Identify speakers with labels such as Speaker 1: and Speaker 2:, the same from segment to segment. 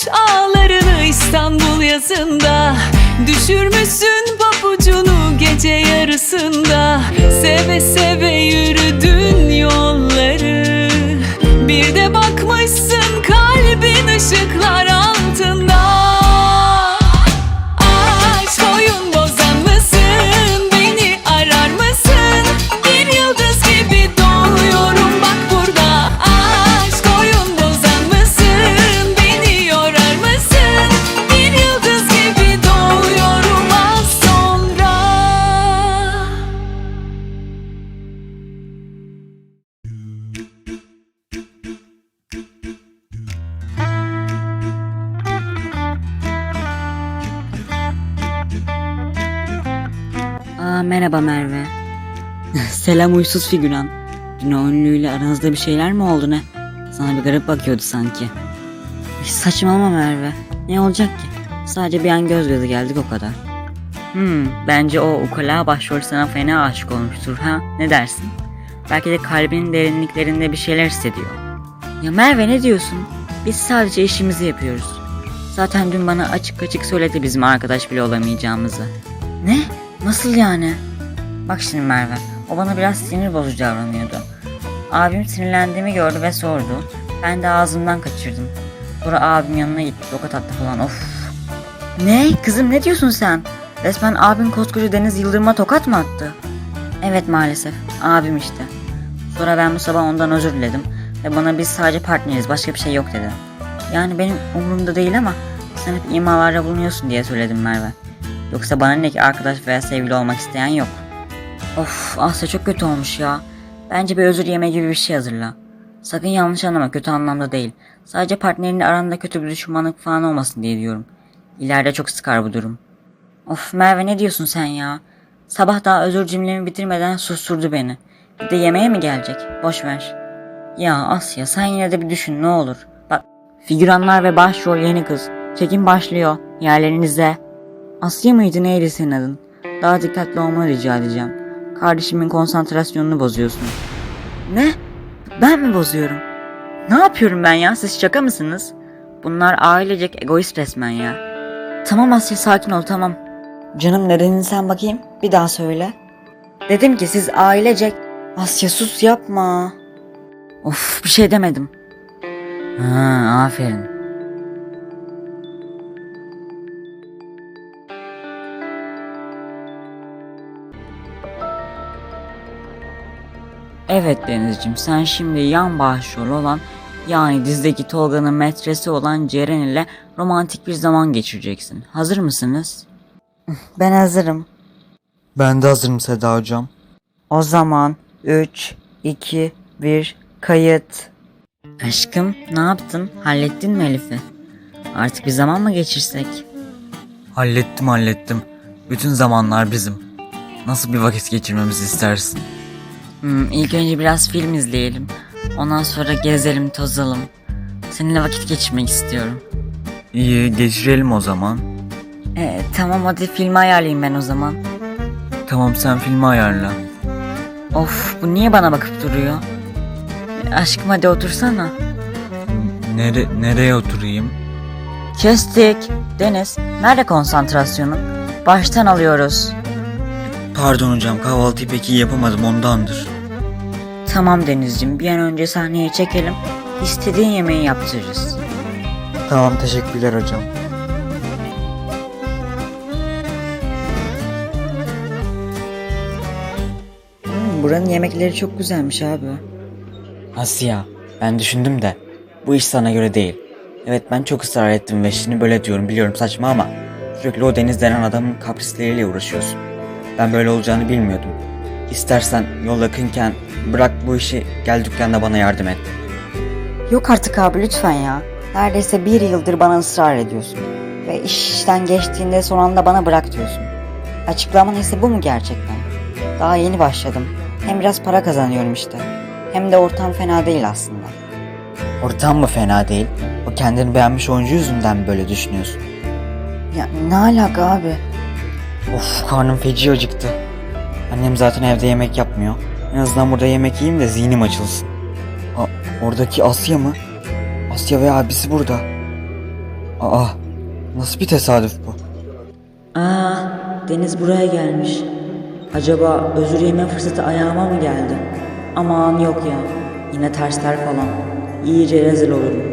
Speaker 1: boş ağlarını İstanbul yazında. Düşürmüşsün papucunu gece yarısında. Seve seve yürüdün yolları. Bir de bakmışsın kalbin ışıklar altında. Aşk oyun bozan mısın? Beni arar mısın? Bir yıldız gibi doğuyorum bak burada. Aşk oyun bozan mısın? Beni yorar mısın? Bir yıldız gibi doğuyorum az sonra.
Speaker 2: Merhaba Merve. Selam uysuz figüran. Dün o ünlüyle aranızda bir şeyler mi oldu ne? Sana bir garip bakıyordu sanki. Saçmalama Merve. Ne olacak ki? Sadece bir an göz göze geldik o kadar. Bence o ukala başrol sana fena aşık olmuştur ha? Ne dersin? Belki de kalbinin derinliklerinde bir şeyler hissediyor. Ya Merve ne diyorsun? Biz sadece işimizi yapıyoruz. Zaten dün bana açık açık söyledi bizim arkadaş bile olamayacağımızı. Ne? Nasıl yani? Bak şimdi Merve, o bana biraz sinir bozucu davranıyordu. Abim sinirlendiğimi gördü ve sordu. Ben de ağzımdan kaçırdım. Sonra abim yanına gitti, tokat attı falan, of. Ne? Kızım ne diyorsun sen? Resmen abim koskoca Deniz Yıldırım'a tokat mı attı? Evet maalesef, abim işte. Sonra ben bu sabah ondan özür diledim ve bana biz sadece partneriz, başka bir şey yok dedi. Yani benim umurumda değil ama sen hep imalarda bulunuyorsun diye söyledim Merve. Yoksa bana ne ki arkadaş veya sevgili olmak isteyen yok. Of Asya çok kötü olmuş ya. Bence bir özür yeme gibi bir şey hazırla. Sakın yanlış anlama, kötü anlamda değil. Sadece partnerinle aranda kötü bir düşmanlık falan olmasın diye diyorum. İleride çok sıkar bu durum. Of Merve ne diyorsun sen ya? Sabah daha özür cümlemi bitirmeden susturdu beni. Bir de yemeğe mi gelecek? Boş ver. Ya Asya sen yine de bir düşün ne olur. Bak figüranlar ve başrol yeni kız. Çekim başlıyor. Yerlerinize. Asya mıydı neydi senin adın? Daha dikkatli olmanı rica edeceğim. Kardeşimin konsantrasyonunu bozuyorsun. Ne? Ben mi bozuyorum? Ne yapıyorum ben ya? Siz şaka mısınız? Bunlar ailecek egoist resmen ya. Tamam Asya sakin ol tamam. Canım nerenin sen bakayım? Bir daha söyle. Dedim ki siz ailecek... Asya sus yapma. Of bir şey demedim. Aferin. Evet Denizciğim sen şimdi yan başrol olan yani dizideki Tolga'nın metresi olan Ceren ile romantik bir zaman geçireceksin. Hazır mısınız? Ben hazırım.
Speaker 3: Ben de hazırım Seda hocam.
Speaker 2: O zaman 3, 2, 1 kayıt. Aşkım ne yaptın? Hallettin mi Elif'i? Artık bir zaman mı geçirsek?
Speaker 3: Hallettim. Bütün zamanlar bizim. Nasıl bir vakit geçirmemizi istersin?
Speaker 2: İlk önce biraz film izleyelim. Ondan sonra gezelim, tozalım. Seninle vakit geçirmek istiyorum.
Speaker 3: İyi geçirelim o zaman.
Speaker 2: Tamam hadi filmi ayarlayayım ben o zaman.
Speaker 3: Tamam sen filmi ayarla.
Speaker 2: Of bu niye bana bakıp duruyor? Aşkım hadi otursana.
Speaker 3: Nereye oturayım?
Speaker 2: Kestik. Deniz nerede konsantrasyonun? Baştan alıyoruz.
Speaker 3: Pardon hocam kahvaltıyı pek iyi yapamadım ondandır.
Speaker 2: Tamam Denizciğim bir an önce sahneye çekelim. İstediğin yemeği yaptırırız.
Speaker 3: Tamam teşekkürler hocam.
Speaker 2: Buranın yemekleri çok güzelmiş abi.
Speaker 3: Asya ben düşündüm de bu iş sana göre değil. Evet ben çok ısrar ettim ve şimdi böyle diyorum biliyorum saçma ama sürekli o Deniz denen adamın kaprisleriyle uğraşıyorsun. Ben böyle olacağını bilmiyordum. İstersen yol yakınken bırak bu işi gel dükkanda bana yardım et.
Speaker 2: Yok artık abi lütfen ya. Neredeyse 1 yıldır bana ısrar ediyorsun. Ve iş işten geçtiğinde son anda bana bırak diyorsun. Açıklaman ise bu mu gerçekten? Daha yeni başladım. Hem biraz para kazanıyorum işte. Hem de ortam fena değil aslında.
Speaker 3: Ortam mı fena değil? O kendini beğenmiş oyuncu yüzünden mi böyle düşünüyorsun?
Speaker 2: Ya ne alaka abi?
Speaker 3: Of karnım feci acıktı. Annem zaten evde yemek yapmıyor. En azından burada yemek yiyeyim de zihnim açılsın. Oradaki Asya mı? Asya ve abisi burada. Aa, nasıl bir tesadüf bu?
Speaker 2: Aa, Deniz buraya gelmiş. Acaba özür yeme fırsatı ayağıma mı geldi? Aman yok ya. Yine tersler falan. İyice rezil olurum.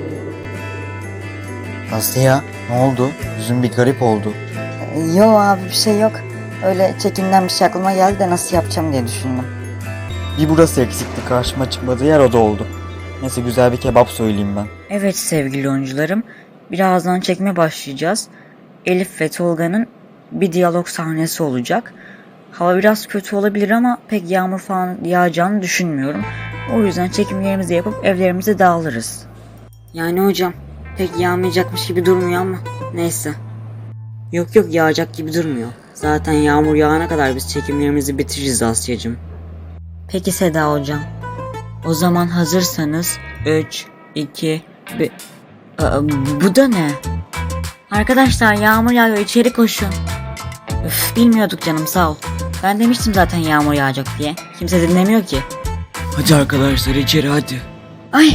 Speaker 3: Asya, ne oldu? Yüzün bir garip oldu.
Speaker 2: Yo abi bir şey yok. Öyle çekimden bir şey aklıma geldi de nasıl yapacağım diye düşündüm.
Speaker 3: Bir burası eksikti, karşıma çıkmadığı yer o da oldu. Neyse, güzel bir kebap söyleyeyim ben.
Speaker 2: Evet sevgili oyuncularım. Birazdan çekime başlayacağız. Elif ve Tolga'nın bir diyalog sahnesi olacak. Hava biraz kötü olabilir ama pek yağmur falan yağacağını düşünmüyorum. O yüzden çekimlerimizi yapıp evlerimize dağılırız. Yani hocam pek yağmayacakmış gibi durmuyor ama neyse. Yok yok yağacak gibi durmuyor. Zaten yağmur yağana kadar biz çekimlerimizi bitiririz Asya'cığım. Peki Seda hocam. O zaman hazırsanız 3, 2, 1... Bu da ne? Arkadaşlar yağmur yağıyor içeri koşun. Üf bilmiyorduk canım sağ ol. Ben demiştim zaten yağmur yağacak diye. Kimse dinlemiyor ki.
Speaker 3: Hadi arkadaşlar, içeri hadi.
Speaker 2: Ay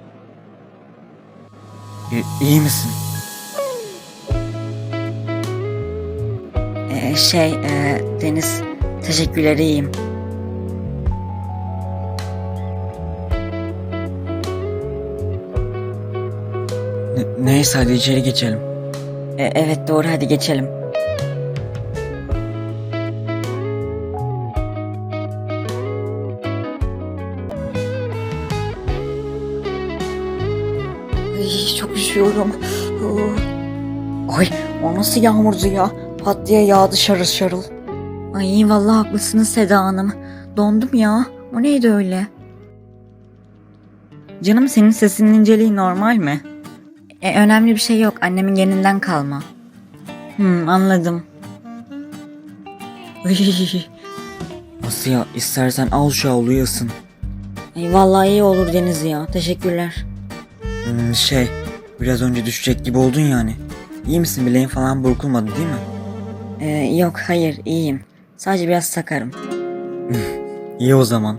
Speaker 3: İyi misin?
Speaker 2: Deniz teşekkürler iyiyim.
Speaker 3: Neyse, hadi içeri geçelim.
Speaker 2: Evet doğru hadi geçelim. Ay, çok üşüyorum. Ay o nasıl yağmurdu ya? Pat diye yağdı şarıl şarıl. Ay vallahi haklısınız Seda Hanım. Dondum ya. O neydi öyle? Canım senin sesinin inceliği normal mi? Önemli bir şey yok. Annemin geninden kalma. Anladım.
Speaker 3: Asya, istersen al şu havluyu ısın.
Speaker 2: Ay vallahi iyi olur Deniz ya. Teşekkürler.
Speaker 3: Biraz önce düşecek gibi oldun yani. İyi misin? Bileğin falan burkulmadı değil mi?
Speaker 2: Yok hayır iyiyim. Sadece biraz sakarım.
Speaker 3: İyi o zaman.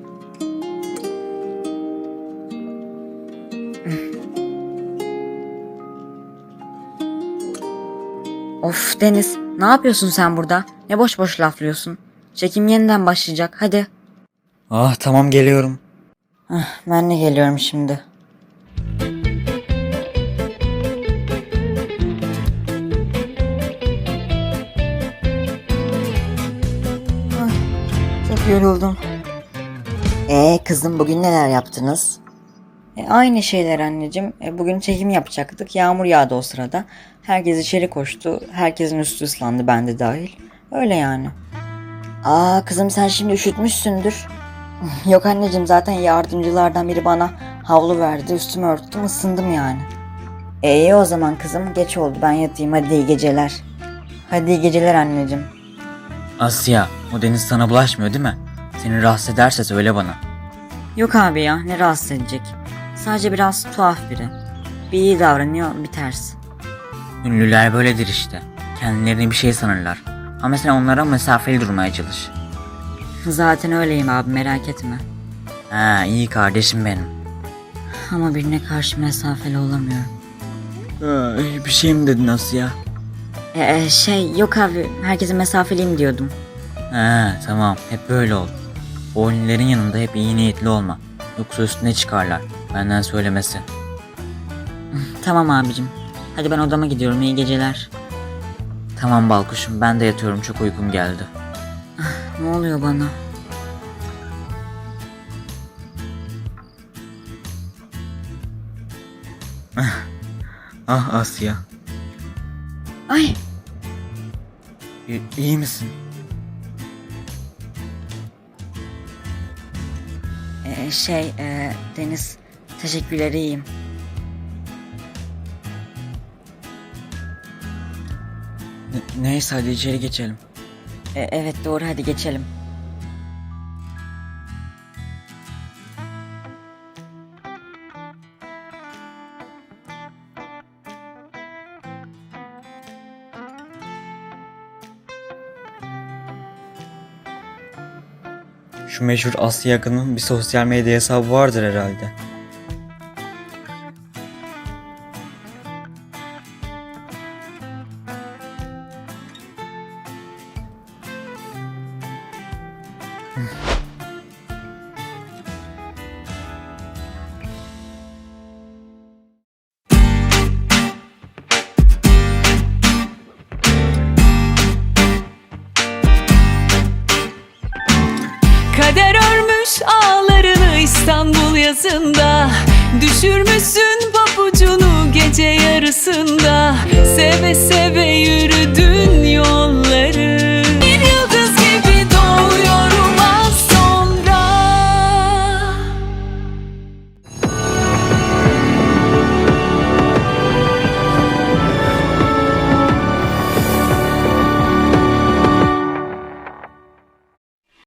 Speaker 2: Of Deniz ne yapıyorsun sen burada? Ne boş boş laflıyorsun. Çekim yeniden başlayacak hadi.
Speaker 3: Ah, tamam, geliyorum.
Speaker 2: Ben de geliyorum şimdi. Ay, çok yoruldum. Kızım bugün neler yaptınız? Aynı şeyler anneciğim. Bugün çekim yapacaktık. Yağmur yağdı o sırada. Herkes içeri koştu. Herkesin üstü ıslandı ben de dahil. Öyle yani. Kızım sen şimdi üşütmüşsündür. Yok anneciğim zaten yardımcılardan biri bana havlu verdi. Üstümü örttüm ısındım yani. İyi o zaman kızım geç oldu ben yatayım hadi iyi geceler. Hadi iyi geceler anneciğim.
Speaker 3: Asya, o Deniz sana bulaşmıyor değil mi? Seni rahatsız ederse söyle bana.
Speaker 2: Yok abi ya ne rahatsız edecek. Sadece biraz tuhaf biri. Bir iyi davranıyor bir ters.
Speaker 3: Ünlüler böyledir işte. Kendilerini bir şey sanırlar. Ama sen onlara mesafeli durmaya çalış.
Speaker 2: Zaten öyleyim abi merak etme.
Speaker 3: Ha, iyi kardeşim benim.
Speaker 2: Ama birine karşı mesafeli olamıyorum.
Speaker 3: Bir şey mi dedin Asya?
Speaker 2: Yok abi herkese mesafeliyim diyordum.
Speaker 3: Ha, tamam, hep böyle ol. O ünlülerin yanında hep iyi niyetli olma. Yoksa üstüne çıkarlar. Benden söylemesi.
Speaker 2: Tamam abicim. Hadi ben odama gidiyorum iyi geceler.
Speaker 3: Tamam Balkuşum, ben de yatıyorum, çok uykum geldi.
Speaker 2: Ne oluyor bana?
Speaker 3: Ah Asya.
Speaker 2: Ay
Speaker 3: İyi misin?
Speaker 2: Deniz teşekkürler iyiyim.
Speaker 3: Neyse, hadi içeri geçelim.
Speaker 2: Evet doğru hadi geçelim.
Speaker 3: Şu meşhur Asya Yakın'ın bir sosyal medya hesabı vardır herhalde.
Speaker 1: ayazında. Düşürmüşsün papucunu gece yarısında. Seve seve yürü